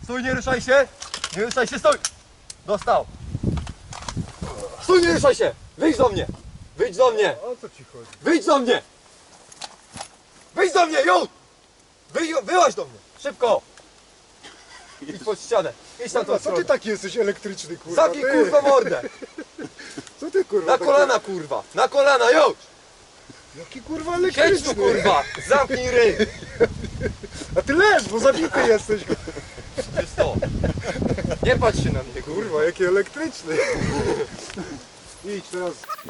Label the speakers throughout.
Speaker 1: Stój, nie ruszaj się! Nie ruszaj się, stój! Dostał! Stój, nie ruszaj się! Wyjdź do mnie! Wyjdź do mnie!
Speaker 2: O co ci chodzi?
Speaker 1: Wyjdź do mnie! Wyjdź do mnie, już! Wyłaź do mnie! Szybko! Idź pod ścianę! Idź na tą
Speaker 2: Co ty
Speaker 1: stronę!
Speaker 2: taki jesteś elektryczny, kurwa?
Speaker 1: Zabij
Speaker 2: ty?
Speaker 1: kurwa mordę!
Speaker 2: Co ty, kurwa?
Speaker 1: Na
Speaker 2: taki-
Speaker 1: kolana kurwa! Na kolana, już!
Speaker 2: Jaki kurwa
Speaker 1: Siedź
Speaker 2: elektryczny?
Speaker 1: tu kurwa! Zamknij ryj!
Speaker 2: A ty leż, bo zabity jesteś.
Speaker 1: Wiesz co? Nie patrz się na mnie kurwa!
Speaker 2: Kurwa, jaki elektryczny. Idź teraz.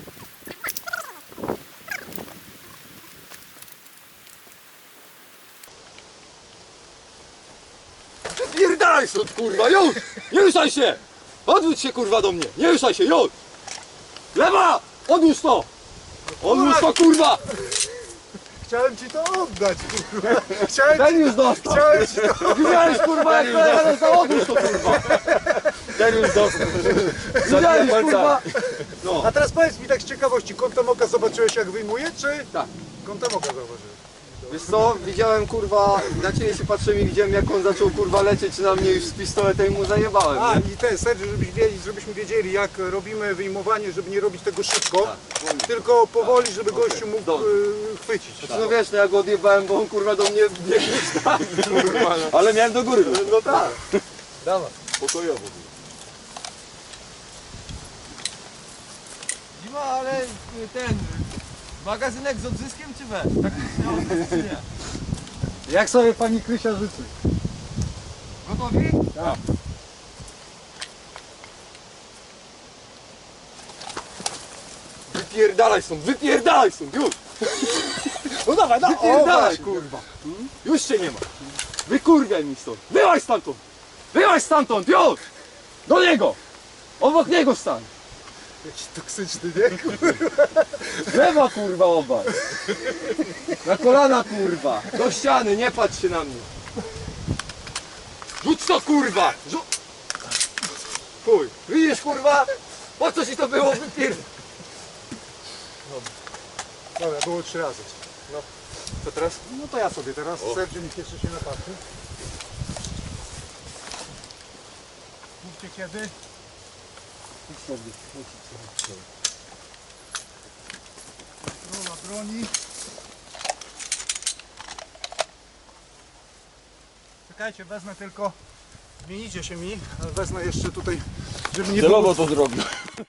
Speaker 1: Wypierdalaj stąd kurwa, już! Nie ruszaj się! Odwróć się kurwa do mnie! Nie ruszaj się, już! Lewa! Odłóż to! Odłóż to kurwa!
Speaker 2: Chciałem ci to oddać, kurwa. Chciałem
Speaker 1: Ten
Speaker 2: ci,
Speaker 1: już dostał!
Speaker 2: chciałem ci to...
Speaker 1: Widziałeś kurwa jak to za odłóż to kurwa! Ten już dostał! Widziałeś kurwa! No.
Speaker 2: A teraz powiedz mi tak z ciekawości, kątem oka zobaczyłeś jak wyjmuje, czy?
Speaker 1: Tak.
Speaker 2: Kątem oka zauważyłeś.
Speaker 1: Wiesz co, widziałem kurwa, na ciebie się patrzyłem i widziałem jak on zaczął kurwa lecieć na mnie już z pistoletem i mu zajebałem,
Speaker 2: A
Speaker 1: nie?
Speaker 2: i ten, Sergio, żebyśmy wiedzieli jak robimy wyjmowanie, żeby nie robić tego szybko, tylko powoli, żeby gościu mógł
Speaker 1: Dobra.
Speaker 2: chwycić.
Speaker 1: No wiesz, no ja go odjebałem, bo on kurwa do mnie biegł tak, kurwa, no. Ale miałem do góry. No tak.
Speaker 2: Dawaj.
Speaker 1: Pokojowo.
Speaker 3: Zima, ale ten magazynek z odzyskiem czy we? Tak czy nie?
Speaker 2: Jak sobie pani Krysia życzy?
Speaker 3: Gotowi?
Speaker 2: Tak.
Speaker 1: Wypierdalaj stąd, już!
Speaker 2: No dawaj, no.
Speaker 1: Wypierdalaj, kurwa! Już cię nie ma! Wykurwiaj mi stąd! Wyłaź stamtąd! Wyłaź stamtąd, już! Do niego! Obok niego stań!
Speaker 2: Jakiś toksyczny, nie?
Speaker 1: Lewa kurwa obaj! Na kolana kurwa! Do ściany, nie patrz się na mnie! Rzuć to kurwa! Chuj! Widzisz kurwa? Po co ci to było wypierdalać?
Speaker 2: Dobra, było 3 razy.
Speaker 1: Co teraz?
Speaker 2: No to ja sobie teraz, Sergio niech jeszcze się napatrzy. Mówcie kiedy? Rola broni. Czekajcie, wezmę tylko, zmienicie się mi, ale wezmę jeszcze tutaj, żeby nie było...
Speaker 1: to zrobił.